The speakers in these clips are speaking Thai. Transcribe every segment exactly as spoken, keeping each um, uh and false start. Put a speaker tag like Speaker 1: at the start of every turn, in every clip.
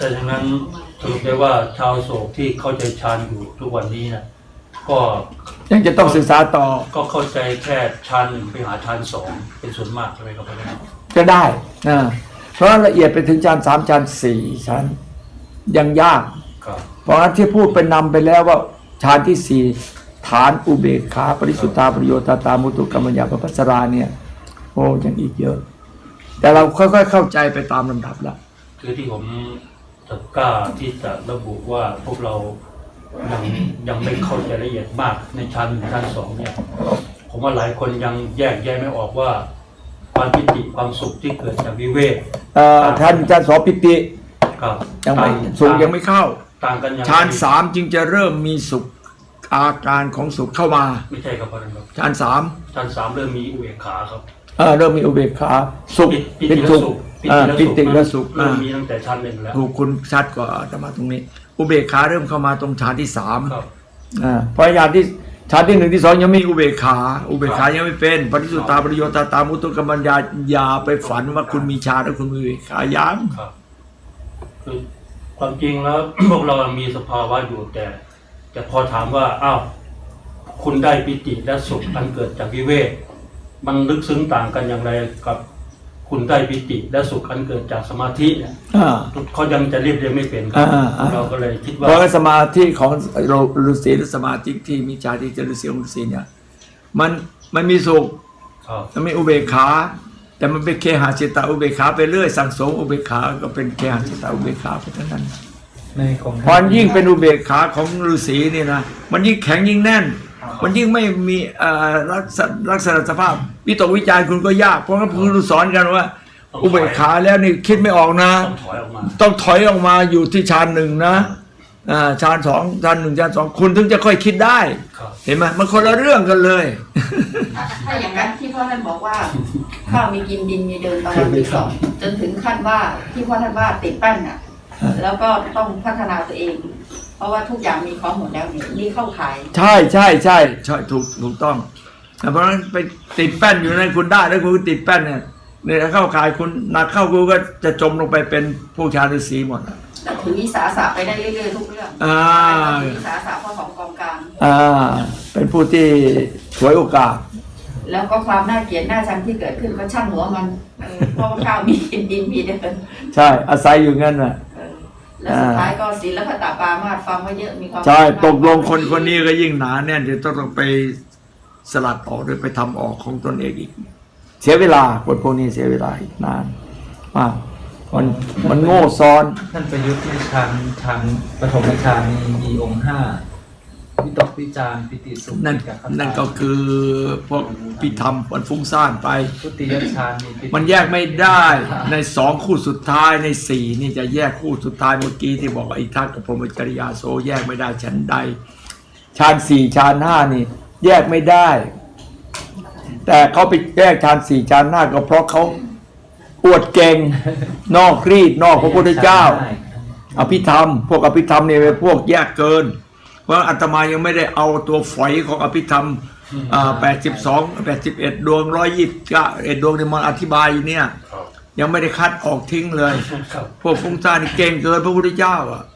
Speaker 1: แต่ฉะนั้นสรุปได้ว่าชาวโศกที่เข้าใจฌานอยู่ทุกวันนี้นะก็
Speaker 2: ยังจะต้องศึกษาต่อ
Speaker 1: ก็เข้าใจแค่ฌานหนึ่งไปหาฌานสองเป็นส่วนมากใช่ไหมครับอาจารย์
Speaker 2: จะได้นะเพราะละเอียดไปถึงฌานสามฌานสี่ฌานยังยากเพราะฉะนั้นที่พูดไปนำไปแล้วว่าฌานที่สี่ฐานอุเบกขาปริสุทธาประโยชน์ตาตามุตุกรรมญาปปัสสราเนี่ยโอ้ยังอีกเยอะแต่เราค่อยๆเข้าใจไปตามลำดับละ
Speaker 1: คือที่ผมจะกล้าที่จะระบุว่าพวกเรายังยังไม่เข้าใจละเอียดมากในชั้นชั้นสองเนี่ยผมว่าหลายคนยังแยกแยะไม่ออกว่าความปิติความสุขที่เกิดจากวิเวก
Speaker 2: ท่านจะสอบปิติยังไม่สุขยังไม่เข้า
Speaker 1: ต่างกัน
Speaker 2: ฌานสามจึงจะเริ่มมีสุขอาการของสุขเข้ามา
Speaker 1: ไม่ใช่ครับอาจารย์
Speaker 2: ฌานสาม
Speaker 1: ฌานสามเริ่มมีอุเบกขาครับ
Speaker 2: เออเริ่มมีอุเบกขาสุขเป็นสุขปิติและสุข
Speaker 1: เริ่มมีตั้งแต่ชั้นหนึ่งแล้ว
Speaker 2: ถูกคุณชัดกว่าจะมาตรงนี้อุเบกขาเริ่มเข้ามาตรงฌานที่สามอ่าเพราะฌานที่ฌานที่หนึ่งที่สองยังมีอุเบกขาอุเบกขายังไม่เป็นปริสุทธาประโยชน์ตาตามุตุกรรมญาอย่าไปฝันว่าคุณมีฌานแล้วคุณมีอุเบกขายัง
Speaker 1: คือความจริงแล้วพวกเรามีสภาวะอยู่แต่แต่พอถามว่าอ้าวคุณได้ปิติและสุขอันเกิดจากวิเวกมันลึกซึ้งต่างกันอย่างไรกับคุณได้ปิติและสุขอันเกิดจากสมาธิเนี่ยเขายังจะเรียบเรียงไม่เป็นครับเราก็เลยคิดว่า
Speaker 2: เพราะสมาธิของฤาษีหรือสมาธิที่มีฌานที่จะฤาษีของฤาษีเนี่ยมันมันมีสุขมันมีอุเบกขาแต่มันเป็นเคหะจิตตอุเบกขาไปเรื่อยสั่งสมอุเบกขาก็เป็นเคหะจิตตอุเบกขาไปเท่านั้นพอยิ่งเป็นอุเบกขาของฤาษีนี่นะมันยิ่งแข็งยิ่งแน่นมันยิ่งไม่มีลักษณะสภาพวิตกวิจารคุณก็ยากเพราะว่าคุณสอนกันว่าอุเบกขาแล้วนี่คิดไม่ออกนะต้องถอยออกมาอยู่ที่ฌานหนึ่งนะฌานสองฌานหนึ่งฌานสองคุณถึงจะค่อยคิดได้เห็นไหมมันคนละเรื่องกันเลย
Speaker 3: ถ้าอย่างนั้นที่พ่อท่านบอกว่าข้าวมีกินดินมีเดินตอนวันที่สองจนถึงขั้นว่าที่พ่อท่านว่าติดปั้นอ่ะแล้วก็ต้องพัฒนาตัวเองเพราะว่าทุกอย่างมีของหมดแล้วนี่เข้าขาย
Speaker 2: ใช่ใช่ใช่ใช่ถูกถูกต้องเพราะฉะนั้นไปติดแป้นอยู่ในคุณได้แล้วคุณติดแป้นเนี่ยเนี่ยเข้าขายคุณนักเข้าคุณก็จะจมลงไปเป็นผู้ชาฤาษีหมด
Speaker 3: ถือวิสาสะไปได้เรื่อยๆทุกเรื่อง
Speaker 2: อ่า
Speaker 3: ถือวิสาสะพ่อของกองกลาง
Speaker 2: อ่าเป็นผู้ที่ฉวยโอกาส
Speaker 3: แล้วก็ความน่าเกลียดน่าชังที่เกิดขึ้นก็ช่างหัวมันเพราะว่าข้าวมีกินดินมีเดิน
Speaker 2: ใช่อาศัยอยู่งั้นน่ะ
Speaker 3: แล้วสุดท้ายก็ศีลพัตตปามาสฟังว่าเยอะมีความ
Speaker 2: ใช่ตกลงคนคนนี้ก็ยิ่งหนาแน่นจะต้องไปสลัดออกหรือไปทำออกของตนเองอีกเสียเวลาคนพวกนี้เสียเวลาอีกนานมากมันมันโง่ซ้อน
Speaker 4: ท่านประยุทธ์ที่ทางทางปฐมฌานมีองค์ห้าวิตกวิจารปิติสุข
Speaker 2: นั่นนั่นก็คือพวกพิธรรมมันฟุ้งซ่านไป
Speaker 4: ทุติยฌาน
Speaker 2: มันแยกไม่ได้ในสองคู่สุดท้ายในสี่นี่จะแยกคู่สุดท้ายเมื่อกี้ที่บอกว่าอิทักกับพรหมจริยาโสแยกไม่ได้ฉันใดฌานสี่ฌานห้านี่แยกไม่ได้แต่เขาไปแยกฌานสี่ฌานห้าก็เพราะเขาอวดเก่งนอกรีดนอกพระพุทธเจ้าอภิธรรมพวกอภิธรรมเนี่ยเป็นพวกแยกเกินเพราะอาตมายังไม่ได้เอาตัวฝอยของอภิธรรมแปดสิบสอง แปดสิบเอ็ดดวงหนึ่งร้อยยี่สิบเก้าเอ็ดดวงที่มันอธิบายอยู่เนี่ยยังไม่ได้คัดออกทิ้งเลยพวกฟุ้งซ่านนี่เก่งเกินพระพุทธเจ้าอ่ะ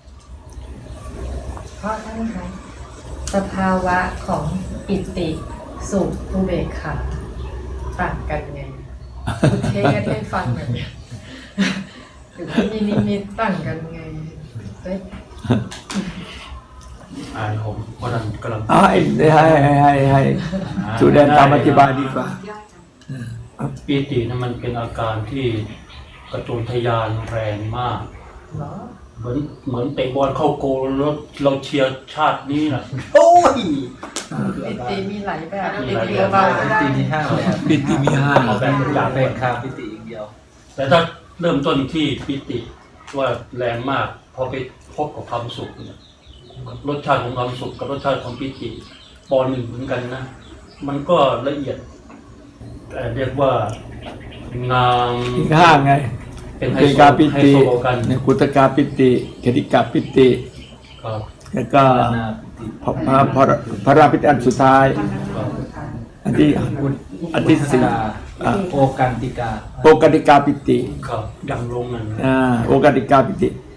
Speaker 5: เพราะท่านคะสภาวะของปิติสุขอุเบกขาต่างกันไงคุณเทศให้ฟังแบบนี้หรือมีนิมิตต่างกันไง
Speaker 1: อ่าผมกำลังกำลัง
Speaker 2: ให้ให้ให้ให้สุแดนตามอธิบายดีกว่า
Speaker 1: ปีตินั้นมันเป็นอาการที่กระตุ้นทยานแรงมากเหมือนเหมือนเตะบอลเข้าโกลแล้วเราเชียร์ชาตินี้นะโอ้ย
Speaker 5: ปิติมีหลายแบบ
Speaker 4: ปิติปิติมีห้าแบบ
Speaker 2: ปิติมีห้า
Speaker 4: แบบอยากเป็นคาปิติอย่างเดียว
Speaker 1: แต่ถ้าเริ่มต้นที่ปิติว่าแรงมากพอไปพบกับความสุขเนี่ยรสชาติของความสุขกับรสชาติของปิติปอนหนึ่งเหมือนกันนะมันก็ละเอียดเรียกว่างาม
Speaker 2: อีกห้าไงเป็นไฮกาปิติในกุตกาปิติคติกาปิติแล้วก็พระพระราปิติอันสุดท้ายอันที่อันที่สี่
Speaker 4: โอกันติกา
Speaker 2: โอกันติกาปิติ
Speaker 1: ดังลงนั่น
Speaker 2: อ่าโอกันติกาปิติ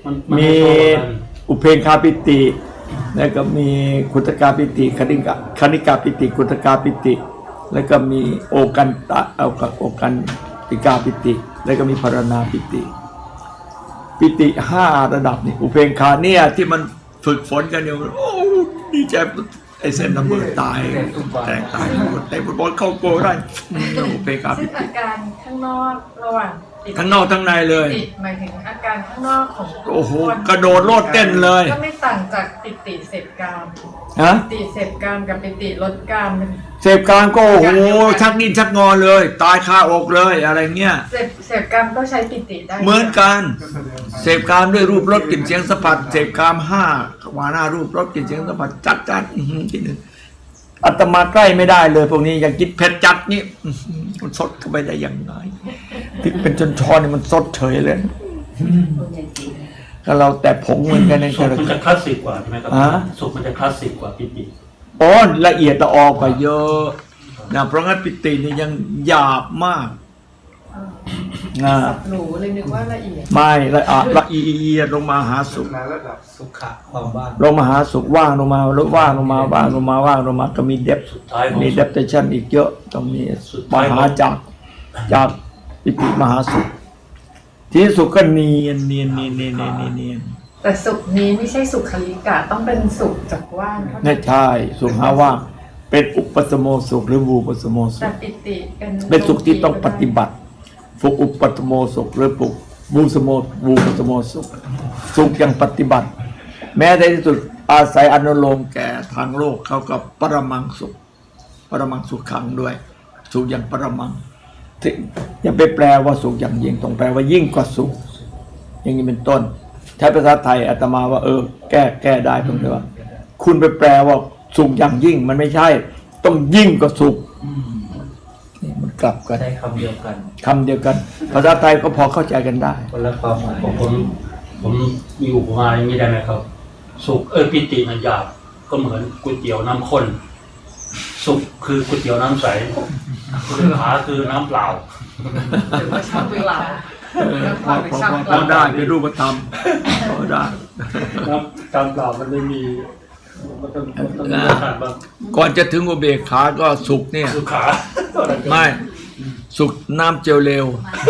Speaker 1: มันมัน
Speaker 2: มี
Speaker 1: ไโซกัน
Speaker 2: อุเพงคาปิติ แล้วก็มีคุตกาปิติคณิกาคณิกาปิติคุตกาปิติ แล้วก็มีโอกันตะเอากับโอกันติกาปิติ แล้วก็มีพารณาปิติ ปิติห้าระดับนี่อุเพงคาเนี่ยที่มันฝึกฝนกันอยู่โอ้ดีใจไอเส้นน้ำมือตายแตกตายหมดแต่ฟุตบอลเข้าโกลได้อืมอุเพงคา
Speaker 5: ซึ่
Speaker 2: ปิ
Speaker 5: ง
Speaker 2: ติ
Speaker 5: อาการข้างนอกระหว่างปิติ
Speaker 2: ทั้งนอกทั้งในเลย
Speaker 5: ปิติหมายถึงอาการข้างนอกของ
Speaker 2: โอ้โห
Speaker 5: คน
Speaker 2: กระโดดโลดเต้นเลย
Speaker 5: ก็ไม่ต่างจากปิติเสพกาม
Speaker 2: ฮะ
Speaker 5: ปิติเสพกามกับปิติลดกามเป็น
Speaker 2: เสพกลางก็โอ้โหชักดิ้นชักงอเลย ตายคาอกเลยอะไรเงี้ย
Speaker 5: เสพเสพกามก็ใช้ปิติได้
Speaker 2: เหมือนกันเสพกามด้วยรูปรสกลิ่นเสียงสัมผัสเสพกามห้าวาหน้ารูปรสกลิ่นเสียงสัมผัสจัดจัดอื้อหือที่หนึ่งอาตมาใกล้ไม่ได้เลยพวกนี้อย่างกินเผ็ดจัดนี่อื้อหือมันสดเข้าไปได้ยังไงพริกเป็นจนช้อนนี่มันสดเฉยเลยก็เราแต่ผงเหมือนกันใน
Speaker 1: สุ
Speaker 2: เจ
Speaker 1: ข
Speaker 2: ริ
Speaker 1: มัน
Speaker 2: ญ
Speaker 1: จะคลาสสิกกว่าใช่ไหมครับ
Speaker 2: ฮะ
Speaker 1: สุขมันจะคลาสสิกกว่าปิติ
Speaker 2: โอ้ละเอียดละออกว่าเยอะนะเพราะงั้นปิตินี่ยังหยาบมากนะ
Speaker 5: หนูเลยนึกว่าละเอียด
Speaker 2: ไม่ละอะละเอียดลงมาหาสุข
Speaker 4: ระดับสุขะความว่าง
Speaker 2: ลงมาหาสุขว่างลงมาลดว่างลงมาว่างลงมาว่างลงมาก็มีเดฟ
Speaker 1: สุดท้ายของ
Speaker 2: มี
Speaker 1: สุ
Speaker 2: เด
Speaker 1: ข
Speaker 2: ฟเทชันอีกเยอะต้องมี
Speaker 1: สุด
Speaker 2: ม
Speaker 1: ท้ายของ
Speaker 2: หาจากจากปิติมหาสุข ที่สุขก็เนียนเนียนเนียนเนียนเนียนเนียนเนียน
Speaker 5: แต่สุขนี้ไม่ใช่สุขคลิกะต้องเป็นสุขจากว่างเท่านั้
Speaker 2: ไม่
Speaker 5: น
Speaker 2: ใช่สุขหาว่างเป็นอุปสมโมสุขหรือวูปสมโมสุ
Speaker 5: แต่
Speaker 2: ข
Speaker 5: ปิติเป็น
Speaker 2: เป็นสุขที่ต้องปฏิบัติฝึกอุปสมโมสุขหรือปุกวูสโมวูปสมโมสุขสุขอย่างปฏิบัติ แม้ในที่สุดอาศัยอนุโลมแก่ทางโลกเขากับปรมังสุข ปรมังสุขขังด้วย สุขอย่างปรมังที่อย่าไปแปลว่าสุขอย่างยิ่งต้องแปลว่ายิ่งกว่าสุข อย่างนี้เป็นต้น ใช้ภาษาไทยอาตมาว่าเออ แก้แก้ได้ตรงที่ว่า คุณไปแปลว่าสุขอย่างยิ่งมันไม่ใช่ ต้องยิ่งกว่าสุขนี่มันกลับกัน
Speaker 4: ใช้คำเดียวกัน
Speaker 2: คำเดียวกัน ภาษาไทยก็พอเข้าใจกันได้
Speaker 4: คนละความหมาย
Speaker 1: ผมผมผมมีอุปมาอย่างนี้ได้ไหมครับ สุขเออปิติมันหยาบก็เหมือนก๋วยเตี๋ยวน้ำข้นสุขคือก๋วยเตี๋ยวน้ำใสสุขาคือน้ำเปล่า
Speaker 5: หรือว่าชอบเวลา
Speaker 2: พอพอพอพอได้เป็นรูปธรรมพอได้
Speaker 1: น้ำตามเปล่ามันไม่มีมันต้องมันต้องมีรสชาติบ้าง
Speaker 2: ก่อนจะถึงอุเบกขาก็สุขเนี่ย
Speaker 1: สุขา
Speaker 2: ไม่ สุขน้ำเจลเร็ว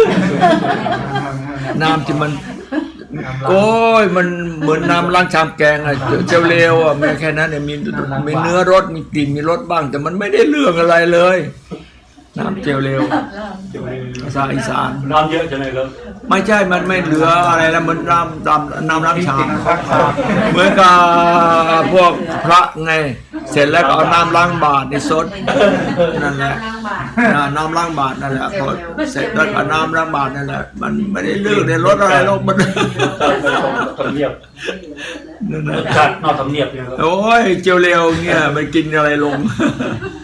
Speaker 2: น้ำที่มัน โอ้ยมันเหมือนน้ำล้างชามแกงอะเจลเร็วอะไม่แค่นั้นเนี่ยมีมีเนื้อรสมีกลิ่นมีรสบ้าง แต่มันไม่ได้เรื่องอะไรเลย น้ำเจลเร็วภาษาอีสาน
Speaker 1: น้ำเยอะใช่ไหมครับ
Speaker 2: ไม่ใช่ มันไม่เหลืออะไรแล้วมันน้ำน้ำน้ำล้างชามเหมือนกับพวกพระไง เสร็จแล้วก็เอาน้ำล้างบาตรในซดนั่นแหละอ่าน้ำล้างบาตรนั่นแหละพอเสร็จแล้วก็น้ำล้างบาตรนั่นแหละ มันไม่ได้เลือกในรสอะไรหรอกมัน
Speaker 1: ทำเนียบ
Speaker 2: นั่น
Speaker 1: ร
Speaker 2: นะ
Speaker 1: สชาตินอกทำเนียบเนี่ยครับ
Speaker 2: โอ้ยเจียวเร็วเงี้ยมันกินอะไรลง